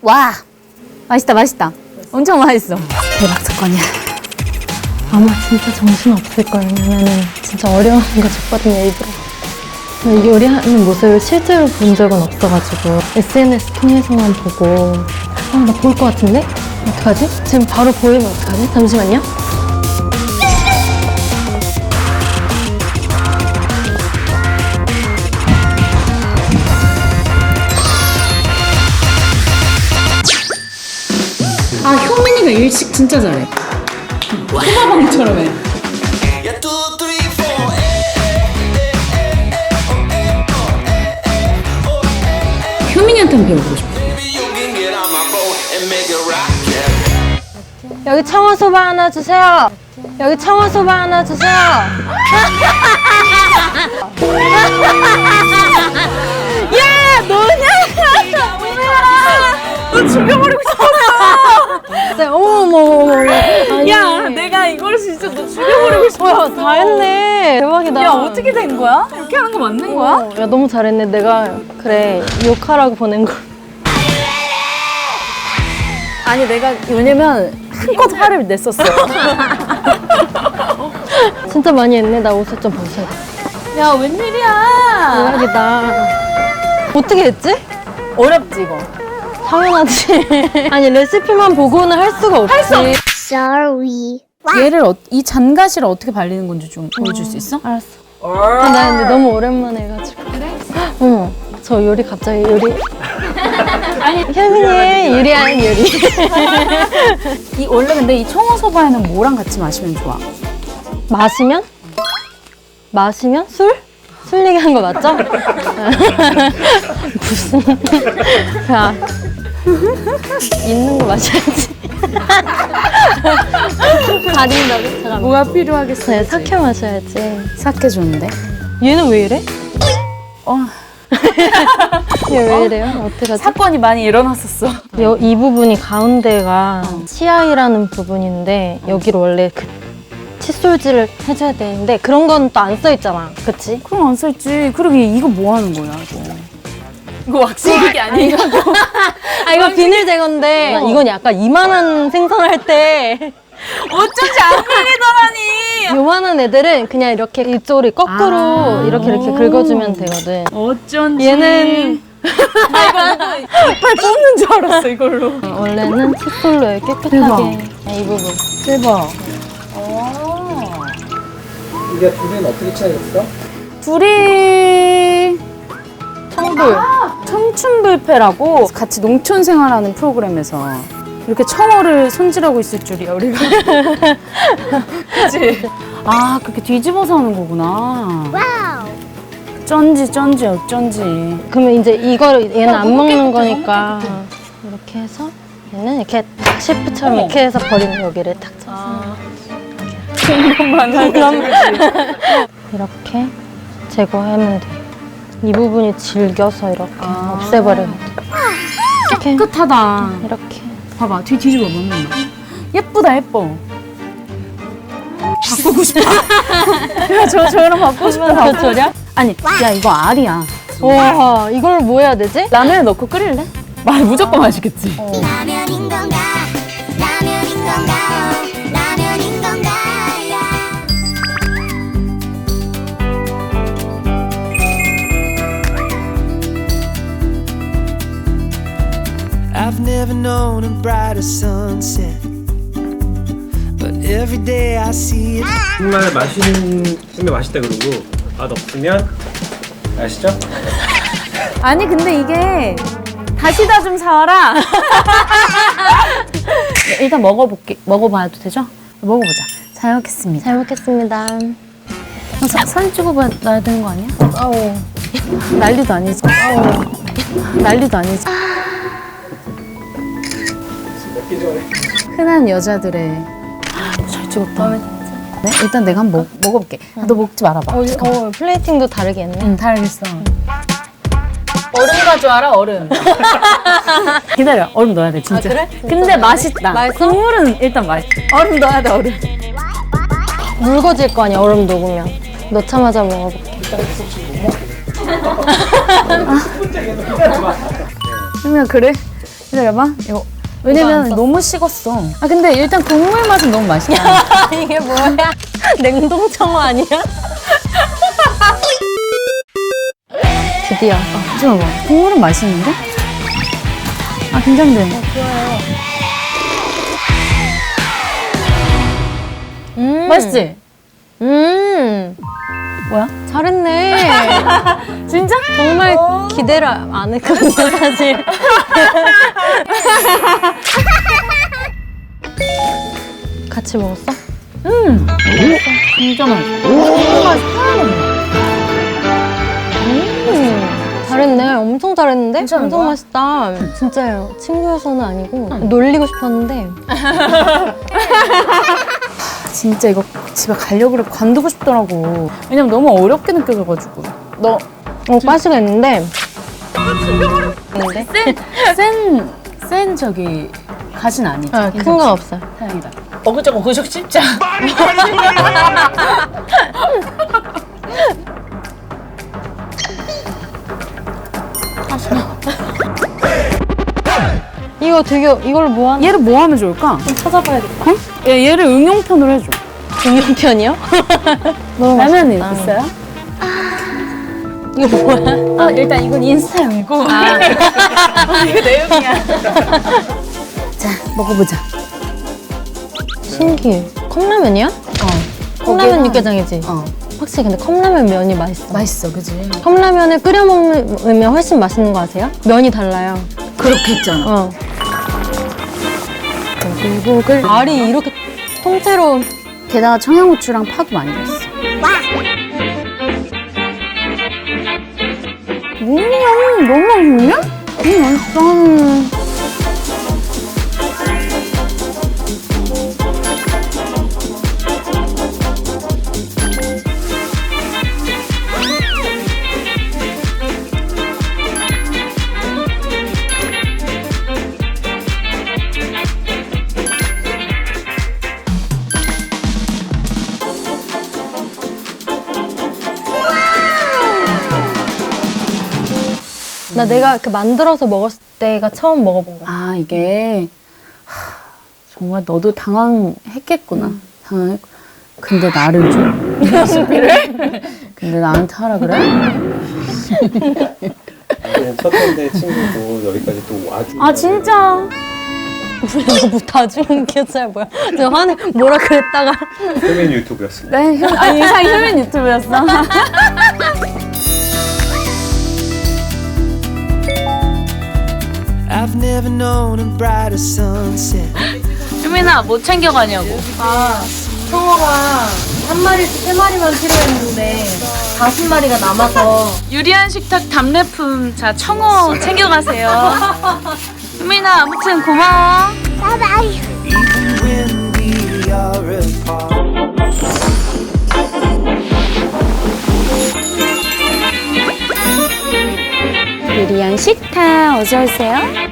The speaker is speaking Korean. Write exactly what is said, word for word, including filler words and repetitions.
와, 맛있다, 맛있다. 엄청 맛있어. 대박 사건이야. 아마 진짜 정신 없을 거예요. 왜냐면은 진짜 어려운 거 줬거든요, 일부러. 요리하는 모습을 실제로 본 적은 없어가지고 에스엔에스 통해서만 보고 아, 나 보일 것 같은데? 어떡하지? 지금 바로 보이면 어떡하지? 잠시만요. 아, 효민이가 일식 진짜 잘해. 소바방처럼 해. 효민이한테는 배워보고 싶어. 여기 청어소바 하나 주세요. 여기 청어소바 하나 주세요. 야, 너냐? 너 죽여버리고 싶었어. 어머머머. 야, 내가 이걸 진짜 너 죽여버리고 싶었어. 다 했네. 대박이다. 야, 어떻게 된 거야? 이렇게 하는 거 맞는 거야? 어, 야, 너무 잘했네. 내가 그래 욕하라고 보낸 걸. 아니, 내가 왜냐면 한껏 화를 냈었어. 진짜 많이 했네. 나 옷을 좀 벗어야겠다. 야, 웬일이야? 대박이다. 어떻게 했지? 어렵지, 이거. 당연하지. 아니, 레시피만 보고는 할 수가 없지. 할 수 없... Sorry. 얘를 어, 이 잔가시를 어떻게 발리는 건지 좀 보여줄 수 있어? 알았어. 아, 나 근데 너무 오랜만에 해가지고. 그래? 어머, 저 요리 갑자기 요리. 아니, 현민이 요리하는 요리. 이 원래 근데 이 청어소바에는 뭐랑 같이 마시면 좋아? 마시면? 마시면? 술? 술 얘기한 거 맞죠? 무슨. 야. 있는 거 마셔야지. 가린다고? 잠깐만. 뭐가 필요하겠어? 네, 사케 마셔야지. 사케 좋은데? 얘는 왜 이래? 어. 얘 왜 이래요? 어떡하지? 사건이 많이 일어났었어. 여, 이 부분이 가운데가 치아이라는 부분인데 여기로 원래 그 칫솔질을 해줘야 되는데 그런 건 또 안 써있잖아. 그치? 그럼 안 썼지. 그러게 이거 뭐 하는 거야, 이거? 이거 왁싱이 아니야? 아, 이거 비닐 제거인데 어. 이건 약간 이만한 생선할 때 어쩐지 안 걸리더라니. 요만한 애들은 그냥 이렇게 이쪽으로 거꾸로 아. 이렇게 이렇게 긁어주면 되거든. 어쩐지. 얘는 나 이거 이빨 뽑는 줄 알았어, 이걸로. 원래는 칫솔로 깨끗하게. 대박. 이 부분. 대박. 이게 둘이는 어떻게 차이였어? 둘이 청불. 청춘불패라고 같이 농촌 생활하는 프로그램에서 이렇게 청어를 손질하고 있을 줄이야, 우리가. 그치? 아, 그렇게 뒤집어서 하는 거구나. Wow. 쩐지, 쩐지, 어쩐지. 그러면 이제 이거를 얘는 안 먹는 거니까 이렇게 해서 얘는 이렇게 탁 셰프처럼 어머. 이렇게 해서 버리는 여기를 탁 쳐서 그것만 하고. 이렇게 제거하면 돼. 이 부분이 질겨서 이렇게 아. 없애버려야 돼. 이렇게 깨끗하다. 이렇게. 봐봐, 뒤 뒤집어 보면 예쁘다, 예뻐. 바꾸고 싶다. 야, 저 저랑 바꾸고 싶다. 얼마나 저랴? 아니, 야, 이거 알이야. 와, 이걸 뭐 해야 되지? 라면에 넣고 끓일래? 말 무조건 맛있겠지. 라면인 건가? 라면인 건가? 라면인 건가? I've never known a brighter sunset, but every day I see it. 정말 맛있는 맛있다 그러고 맛 없으면 아시죠? 아니, 근데 이게 다시다 좀 사와라. 일단 먹어볼게. 먹어봐도 되죠? 먹어보자. 잘 먹겠습니다. 잘 먹겠습니다. 어, 사, 사진 찍어봐야 되는 거 아니야? 아우. 난리도 아니지. 아우. 난리도 아니지. 먹기 전에 흔한 여자들의 아, 잘 찍었다. 네? 일단 내가 한번 먹, 먹어볼게. 아, 너 먹지 말아봐. 어, 어, 플레이팅도 다르게 했네. 응, 다 알겠어. 얼음 가져와라, 얼음. 기다려, 얼음 넣어야 돼, 진짜. 아, 그래? 근데 맛있다. 맛있어? 국물은 일단 맛있어. 얼음 넣어야 돼, 얼음. 묽어질 거 아니야, 얼음 녹으면. 넣자마자 먹어볼게. 그러면 그래? 기다려봐. 이거 이거 안 왜냐면 썼어. 너무 식었어. 아 근데 일단 국물 맛은 너무 맛있다. 이게 뭐야? 냉동 청어 아니야? 드디어. 아, 잠깐만. 국물은 맛있는데? 아 긴장돼. 음. 맛있지? 음. 뭐야? 잘했네. 진짜? 정말 기대를 안 했거든요, 사실. 같이 먹었어? 음. 진짜 맛있어. 국물 맛이 하나도 없네. 음. 잘했네. 엄청 잘했는데? 괜찮은 엄청 거야? 맛있다. 진짜요. 친구여서는 아니고 놀리고 싶었는데 진짜 이거 집에 가려고 그래 관두고 싶더라고. 왜냐면 너무 어렵게 느껴져가지고. 너 어, 가시가 있는데 있는데? 센, 센 저기 가신 아니지? 아, 큰 건 없어요. 다행이다. 어그저그 그적 씹자. 이거 되게 이걸로 뭐 하는 얘를 뭐 하면 좋을까? 좀 찾아봐야겠다. 어? 얘, 얘를 응용편으로 해줘. 중형편이요? 너무 라면이 맛있다. 있어요? 이거 뭐야? 아 일단 이건 인스타용이고. 아. 이거 내용이야. 자 먹어보자. 신기해. 컵라면이야? 어. 컵라면 거기에는- 육개장이지? 어. 확실히 근데 컵라면 면이 맛있어. 맛있어, 그지? 컵라면을 끓여 먹으면 훨씬 맛있는 거 아세요? 면이 달라요. 그렇게 했잖아. 어. 고글. 알이 이렇게 통째로 게다가 청양고추랑 파도 많이 넣었어. 음, 너무 맛있냐? 음, 맛있다. 나 내가 그 만들어서 먹었을 때가 처음 먹어본 거야. 아, 이게 하, 정말 너도 당황했겠구나. 당황했. 근데 나를 줘? 레시피를? 근데 나한테 하라 그래? 그냥 첫 번째 친구고 여기까지 또 와주고. 아 진짜? 우리가 뭐 다중 기억잘 뭐야? 저 화내 뭐라 그랬다가 표면 유튜브였습니다. 네, 현, 아니 이상 효민 유튜브였어. I've never known a brighter sunset. 효민아 뭐 챙겨가냐고. 청어가 한 마리씩 세 마리만 필요했는데 다섯 마리가 남아서 유리한 식탁 답례품 자 청어 챙겨가세요. 효민아 아무튼 고마워. 바이바이. Even when we are apart. 유리한 식탁 어서 오세요.